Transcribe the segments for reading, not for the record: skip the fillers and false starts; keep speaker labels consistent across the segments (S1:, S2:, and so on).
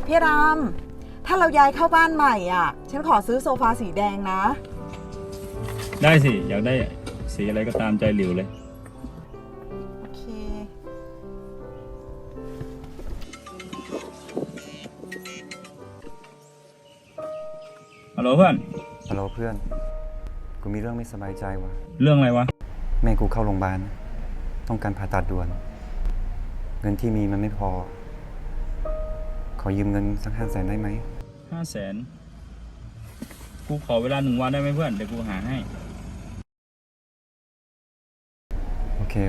S1: พี่รำถ้าเราย้ายเข้าบ้านใหม่อ่ะฉันขอซื้อโซฟาสีแดงนะ
S2: ได้สิอยากได้สีอะไรก็ตามใจหลิวเลย
S1: โอเค
S2: ฮัลโหลเพื่อน
S3: ฮัลโหลเพื่อน กูมีเรื่องไม่สบายใจว่ะ
S2: เรื่องอะไรวะ
S3: แม่กูเข้าโรงพยาบาลต้องการผ่าตัดด่วน เงินที่มีมันไม่พอ ขอยืมเงินสัก500,000ได้ไหม
S2: 500,000กูขอเวลา1 วันได้ไหมเพื่อนเดี๋ยวกูหาให้
S3: โอเค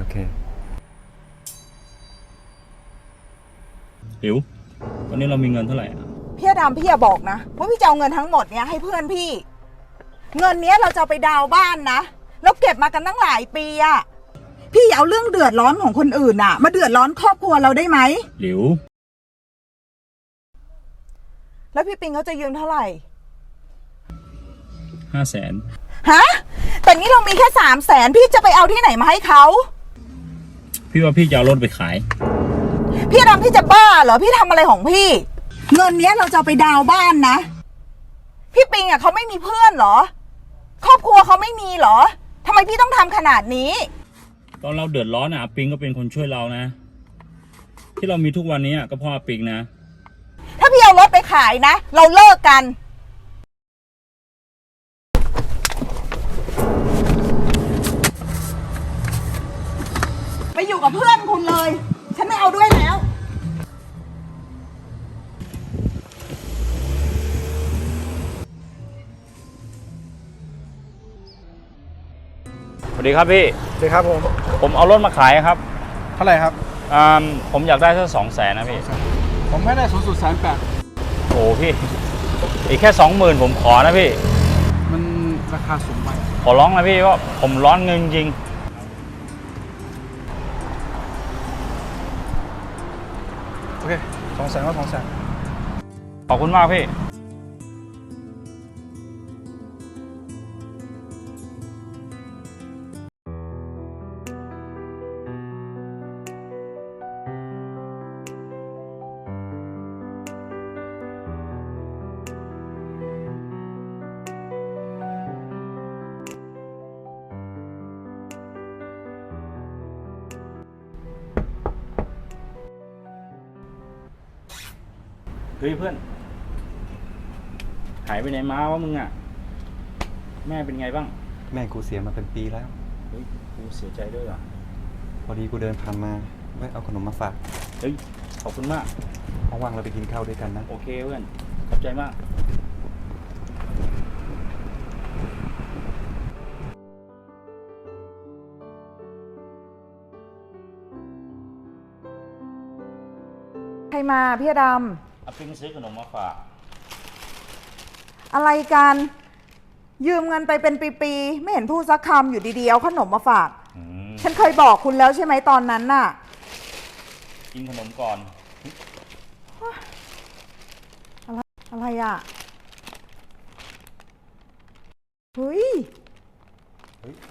S2: หลิววันนี้เรามีเงินเท่าไหร่อ่ะ
S1: พี่รำพี่อย่าบอกนะว่าพี่จะเอาเงินทั้งหมดเนี้ยให้เพื่อนพี่ เงินเนี้ยเราจะไปดาวน์บ้านนะแล้วเก็บมากันตั้งหลายปีอะพี่อย่าเอาเรื่องเดือดร้อนของคนอื่นอะมาเดือดร้อนครอบครัวเราได้ไหม
S2: หลิว
S1: แล้วพี่ปิงเขาจะยืมเท่าไหร่
S2: 500,000
S1: ฮะแต่นี่เรามีแค่300,000พี่จะไปเอาที่ไหนมาให้เขา
S2: พี่ว่าพี่จะเอารถไปขาย
S1: พี่รำพี่จะบ้าเหรอพี่ทำอะไรของพี่ เงินเนี้ยเราจะเอาไปดาวน์บ้านนะพี่ปิงอะเขาไม่มีเพื่อนเหรอครอบครัวเขาไม่มีเหรอทำไมพี่ต้องทำขนาดนี้
S2: ตอนเราเดือดร้อนอ่ะปิงก็เป็นคนช่วยเรานะ ที่เรามีทุกวันนี้ก็เพราะปิงนะ
S1: ถ้าพี่เอารถไปขายนะเราเลิกกันไปอยู่กับเพื่อนคุณเลยฉันไม่เอาด้วยแล้ว
S2: สวัสดีครับพี่
S4: สวัสดีครับผม
S2: ผมเอารถมาขายครับ
S4: เท่าไหร่ครับ
S2: ผมอยากได้สัก200,000นะพี่
S4: ผมไม่ได้สูงสุด180,000
S2: โอ้พี่ อีกแค่20,000ผมขอนะพี่
S4: มันราคาสูงไป
S2: ขอร้องนะพี่ว่าผมร้อนเงินจริง
S4: โอเค200,000ก็200,000
S2: ขอบคุณมากพี่ เฮ้ยเพื่อน หายไปไหนมาวะมึงอ่ะ แม่เป็นไงบ้าง
S3: แม่กูเสียมาเป็นปีแล้ว
S2: เฮ้ยกูเสียใจด้วยว่ะ
S3: พอดีกูเดินผ่านมาแวะเอาขนมมาฝาก
S2: เฮ้ยขอบคุณมาก
S3: ว่างๆเราไปกินข้าวด้วยกันนะ
S2: โอเคเพื่อน ขอบใจมาก
S1: ใครมาพี่ร
S2: เอาปิงซื้อขนมมาฝาก
S1: ำอะไรกันยืมเงินไปเป็นปีๆไม่เห็นพูดสักคำอยู่ดีๆเอาขนมมาฝากฉันเคยบอกคุณแล้วใช่ไหมตอนนั้นน่ะ
S2: กินขนมก่อน
S1: อะไรอ่ะเฮ้ย